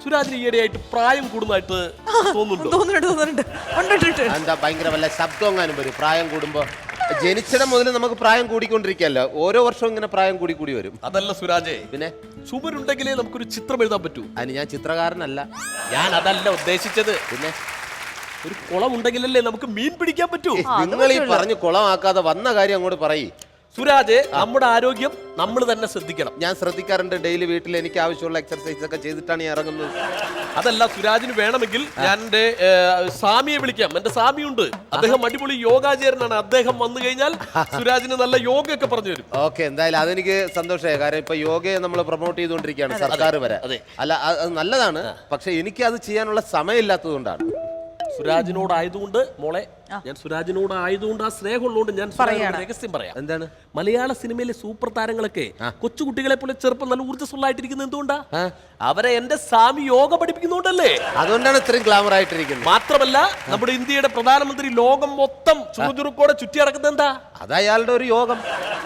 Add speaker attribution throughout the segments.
Speaker 1: സുരാജിന് ഈയിടെയായിട്ട് പ്രായം കൂടുന്നതായിട്ട് തോന്നുന്നുണ്ട്.
Speaker 2: എന്താ ഭയങ്കര വല്ല ശബ്ദം വരും പ്രായം കൂടുമ്പോ? ജനിച്ചിടം മുതൽ നമുക്ക് പ്രായം കൂടിക്കൊണ്ടിരിക്കല്ലോ, ഓരോ വർഷവും ഇങ്ങനെ പ്രായം കൂടി വരും.
Speaker 1: അതല്ല സുരാജേ,
Speaker 2: പിന്നെ
Speaker 1: ചുമരുണ്ടെങ്കിലേ നമുക്കൊരു ചിത്രം എഴുതാൻ പറ്റൂ.
Speaker 2: അതിന് ഞാൻ ചിത്രകാരനല്ല.
Speaker 1: ഞാൻ അതല്ല ഉദ്ദേശിച്ചത്.
Speaker 2: പിന്നെ
Speaker 1: ഒരു കുളം ഉണ്ടെങ്കിലല്ലേ നമുക്ക് മീൻ പിടിക്കാൻ പറ്റൂ.
Speaker 2: നിങ്ങൾ ഈ പറഞ്ഞ് കുളമാക്കാതെ വന്ന കാര്യം അങ്ങോട്ട് പറയ്.
Speaker 1: സുരാജ്, നമ്മുടെ ആരോഗ്യം നമ്മൾ തന്നെ ശ്രദ്ധിക്കണം.
Speaker 2: ഞാൻ ശ്രദ്ധിക്കാറുണ്ട്. ഡെയിലി വീട്ടിൽ എനിക്ക് ആവശ്യമുള്ള എക്സർസൈസ് ഒക്കെ ചെയ്തിട്ടാണ് ഞാൻ ഇറങ്ങുന്നത്.
Speaker 1: അതല്ല, സുരാജിന് വേണമെങ്കിൽ ഞാൻ എന്റെ സ്വാമിയെ വിളിക്കാം. എന്റെ സ്വാമിയുണ്ട്, അദ്ദേഹം അടിപൊളി യോഗാചാര്യനാണ്. അദ്ദേഹം വന്നു കഴിഞ്ഞാൽ സുരാജിന് നല്ല യോഗയൊക്കെ പറഞ്ഞു തരും.
Speaker 2: ഓക്കെ, എന്തായാലും അതെനിക്ക് സന്തോഷമായി. കാരണം ഇപ്പൊ യോഗയെ നമ്മൾ പ്രൊമോട്ട് ചെയ്തുകൊണ്ടിരിക്കുകയാണ് സർക്കാർ വരെ. അല്ല, അത് നല്ലതാണ്. പക്ഷെ എനിക്ക് അത് ചെയ്യാനുള്ള സമയമില്ലാത്തത് കൊണ്ടാണ്.
Speaker 1: സുരാജിനോടായതുകൊണ്ട് മോളെ, ഞാൻ സുരാജിനോടായതുകൊണ്ട് ആ സ്നേഹമുള്ളതുകൊണ്ട് ഞാൻ രഹസ്യം പറയാം.
Speaker 2: എന്താണ്?
Speaker 1: മലയാള സിനിമയിലെ സൂപ്പർ താരങ്ങളൊക്കെ കൊച്ചുകുട്ടികളെ പോലെ ചെറുപ്പം നല്ല ഊർജ്ജസ്വലായിട്ടിരിക്കുന്നത് എന്തുകൊണ്ടാ? അവരെ എന്റെ സ്വാമി യോഗ പഠിപ്പിക്കുന്നുണ്ടല്ലേ,
Speaker 2: അതുകൊണ്ടാണ് ഇത്രയും ഗ്ലാമർ ആയിട്ടിരിക്കുന്നത്.
Speaker 1: മാത്രമല്ല നമ്മുടെ ഇന്ത്യയുടെ പ്രധാനമന്ത്രി ലോകം മൊത്തം ചുറുചുറുക്കോടെ ചുറ്റി നടക്കുന്നത് എന്താ?
Speaker 2: അത് അയാളുടെ ഒരു യോഗം,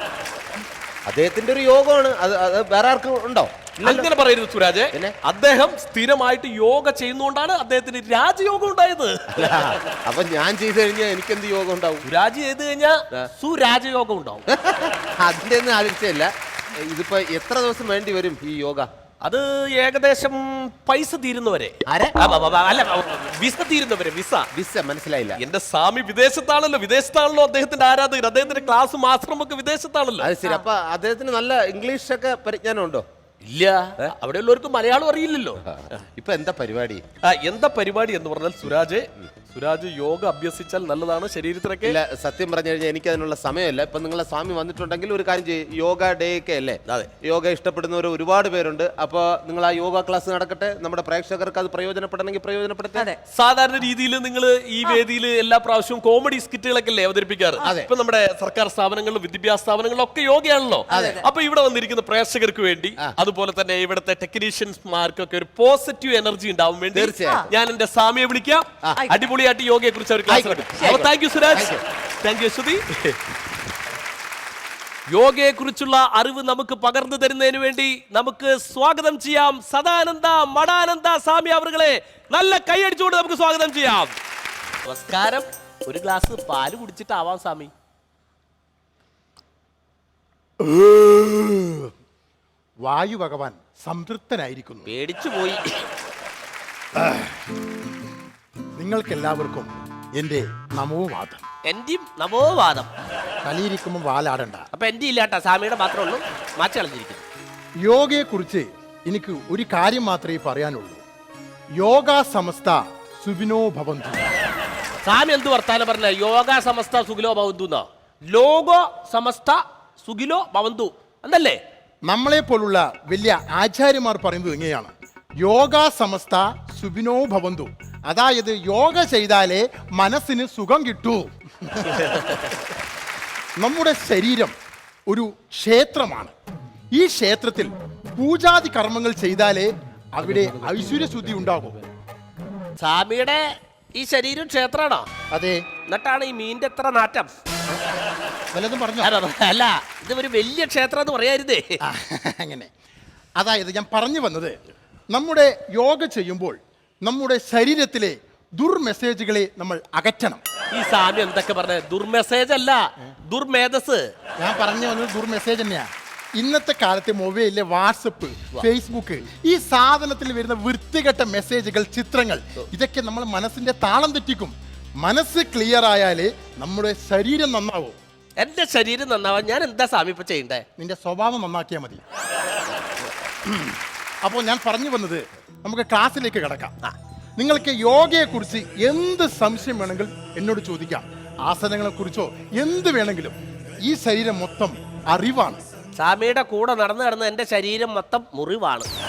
Speaker 2: അദ്ദേഹത്തിന്റെ ഒരു യോഗമാണ്. അത് വേറെ ആർക്കും ഉണ്ടോ?
Speaker 1: അങ്ങനെ പറയരുത് സുരാജ്. അദ്ദേഹം സ്ഥിരമായിട്ട് യോഗ ചെയ്യുന്നോണ്ടാണ് അദ്ദേഹത്തിന് രാജയോഗം ഉണ്ടായത്.
Speaker 2: അപ്പൊ ഞാൻ ചെയ്തു കഴിഞ്ഞാൽ എനിക്കെന്ത് യോഗം ഉണ്ടാവും?
Speaker 1: സുരാജ് ചെയ്ത് കഴിഞ്ഞാൽ സുരാജയോഗം ഉണ്ടാവും.
Speaker 2: അതിന്റെ ഒന്നും ആവശ്യമില്ല. ഇതിപ്പോ എത്ര ദിവസം വേണ്ടി വരും ഈ യോഗ?
Speaker 1: അത് ഏകദേശം പൈസ തീരുന്നവരെ. അല്ല, വിസ തീരുന്നവരെ.
Speaker 2: വിസ മനസ്സിലായില്ല.
Speaker 1: എന്റെ സ്വാമി വിദേശത്താണല്ലോ അദ്ദേഹത്തിന്റെ ആരാധകർ. അദ്ദേഹത്തിന്റെ ക്ലാസ് ആശ്രമൊക്കെ വിദേശത്താണല്ലോ.
Speaker 2: അത് ശരി. അപ്പൊ അദ്ദേഹത്തിന് നല്ല ഇംഗ്ലീഷ് ഒക്കെ പരിജ്ഞാനം ഉണ്ടോ?
Speaker 1: ഇല്ല, അവിടെ ഉള്ളവർക്ക് മലയാളം അറിയില്ലല്ലോ.
Speaker 2: ഇപ്പൊ എന്താ പരിപാടി?
Speaker 1: എന്താ പരിപാടി എന്ന് പറഞ്ഞാൽ സുരാജ് യോഗ അഭ്യസിച്ചാൽ നല്ലതാണ് ശരീരത്തിനൊക്കെ.
Speaker 2: ഇല്ല, സത്യം പറഞ്ഞു കഴിഞ്ഞാൽ എനിക്ക് അതിനുള്ള സമയമില്ല. ഇപ്പൊ നിങ്ങളെ സ്വാമി വന്നിട്ടുണ്ടെങ്കിൽ ഒരു കാര്യം ചെയ്യും, യോഗ ഡേ ഒക്കെ അല്ലേ?
Speaker 1: അതെ,
Speaker 2: യോഗ ഇഷ്ടപ്പെടുന്നവർ ഒരുപാട് പേരുണ്ട്. അപ്പൊ നിങ്ങൾ ആ യോഗ ക്ലാസ് നടക്കട്ടെ, നമ്മുടെ പ്രേക്ഷകർക്ക് അത് പ്രയോജനപ്പെടണമെങ്കിൽ പ്രയോജനപ്പെടുത്തേ.
Speaker 1: സാധാരണ രീതിയിൽ നിങ്ങൾ ഈ വേദിയിൽ എല്ലാ പ്രാവശ്യവും കോമഡി സ്കിറ്റുകളൊക്കെ അല്ലേ അവതരിപ്പിക്കാറ്? ഇപ്പൊ നമ്മുടെ സർക്കാർ സ്ഥാപനങ്ങളിലും വിദ്യാഭ്യാസ സ്ഥാപനങ്ങളിലും ഒക്കെ യോഗയാണല്ലോ. അപ്പൊ ഇവിടെ വന്നിരിക്കുന്ന പ്രേക്ഷകർക്ക് വേണ്ടി, അതുപോലെ തന്നെ ഇവിടുത്തെ ടെക്നീഷ്യൻസ്മാർക്കൊക്കെ ഒരു പോസിറ്റീവ് എനർജി ഉണ്ടാവാൻ വേണ്ടി ഞാൻ എന്റെ സ്വാമിയെ വിളിക്കാം. അടിപൊളിയായിട്ട് യോഗയെ കുറിച്ച് അവർ ക്ലാസ് എടുക്കും. Thank you Suraj, thank you Shruti. യോഗയെ കുറിച്ചുള്ള അറിവ് നമുക്ക് പകർന്നു തരുന്നതിന് വേണ്ടി നമുക്ക് സ്വാഗതം ചെയ്യാം സദാനന്ദ മഠാനന്ദ സ്വാമി അവരുകളെ. നല്ല കൈയടിച്ചുകൊണ്ട് നമുക്ക് സ്വാഗതം ചെയ്യാം. നമസ്കാരം. ഒരു ഗ്ലാസ് പാല് കുടിച്ചിട്ടാവാം സ്വാമി.
Speaker 3: വായു ഭഗവാൻ സംതൃപ്തനായിരിക്കുന്നു.
Speaker 1: പേടിച്ചു പോയി.
Speaker 3: നിങ്ങൾക്കെല്ലാവർക്കും എന്റെ നമോവാദം.
Speaker 1: എന്റെയും നമോവാദം.
Speaker 3: തലയിരിക്കുമ്പോൾ വാലാടണ്ട.
Speaker 1: അപ്പൊ എന്റെ ഇല്ലാട്ടാ, സ്വാമിയുടെ മാത്രമേ ഉള്ളൂ. മാറ്റി കളഞ്ഞിരിക്കുന്നു.
Speaker 3: യോഗയെ കുറിച്ച് എനിക്ക് ഒരു കാര്യം മാത്രമേ പറയാനുള്ളൂ. യോഗ സമസ്ത സുഖിനോ ഭവന്തു.
Speaker 1: സ്വാമി എന്ത് വർത്താനം പറഞ്ഞ? യോഗ സമസ്ത സുഖിലോ ഭവന്തു എന്നോ? ലോകോ സമസ്ത സുഖിലോ ഭവന്തു എന്നല്ലേ?
Speaker 3: നമ്മളെ പോലുള്ള വലിയ ആചാര്യന്മാർ പറയുന്നത് എങ്ങനെയാണ്? യോഗ സമസ്ത സുഖിനോ ഭവന്തു. അതായത് യോഗ ചെയ്താലേ മനസ്സിന് സുഖം കിട്ടൂ. നമ്മുടെ ശരീരം ഒരു ക്ഷേത്രമാണ്. ഈ ക്ഷേത്രത്തിൽ പൂജാതി കർമ്മങ്ങൾ ചെയ്താലേ അവിടെ ഐശ്വര്യശുദ്ധി ഉണ്ടാകും.
Speaker 1: സ്വാമിയുടെ ഈ ശരീരം ക്ഷേത്രമാണോ?
Speaker 3: അതെ.
Speaker 1: എന്നിട്ടാണ് ഈ മീനിന്റെ എത്ര നാറ്റം?
Speaker 3: വല്ലതും പറഞ്ഞു?
Speaker 1: അല്ല, ഇത് ഒരു വലിയ ക്ഷേത്രം എന്ന് പറയാരുതേ.
Speaker 3: അങ്ങനെ. അതായത് ഞാൻ പറഞ്ഞു വന്നത്, നമ്മുടെ യോഗ ചെയ്യുമ്പോൾ നമ്മുടെ ശരീരത്തിലെ ദുർമെസ്സേജുകളെ നമ്മൾ അകറ്റണം.
Speaker 1: ഈ സ്വാമി എന്തൊക്കെ പറഞ്ഞ? ദുർമെസ്സേജ് അല്ല, ദുർമേധസ്.
Speaker 3: ഞാൻ പറഞ്ഞു വന്നത് ദുർമെസ്സേജ് തന്നെയാണ്. ഇന്നത്തെ കാലത്തെ മൊബൈലിലെ വാട്സപ്പ്, ഫേസ്ബുക്ക്, ഈ സാധനത്തിൽ വരുന്ന വൃത്തികെട്ട മെസ്സേജുകൾ, ചിത്രങ്ങൾ, ഇതൊക്കെ നമ്മൾ മനസ്സിന്റെ താളം തെറ്റിക്കും. മനസ്സ് ക്ലിയർ ആയാലേ നമ്മുടെ ശരീരം നന്നാവും.
Speaker 1: എന്റെ ശരീരം നന്നാവാൻ ഞാൻ എന്താ സ്വാമി ഇപ്പൊ ചെയ്യണ്ടേ?
Speaker 3: നിന്റെ സ്വഭാവം നന്നാക്കിയാൽ മതി. അപ്പോൾ ഞാൻ പറഞ്ഞു വന്നത്, നമുക്ക് ക്ലാസ്സിലേക്ക് കിടക്കാം. നിങ്ങൾക്ക് യോഗയെ കുറിച്ച് എന്ത് സംശയം വേണമെങ്കിലും എന്നോട് ചോദിക്കാം. ആസനങ്ങളെ കുറിച്ചോ എന്ത് വേണമെങ്കിലും. ഈ ശരീരം മൊത്തം അറിവാണ്.
Speaker 1: സ്വാമിയുടെ കൂടെ നടന്ന് എന്റെ ശരീരം മൊത്തം മുറിവാണ്.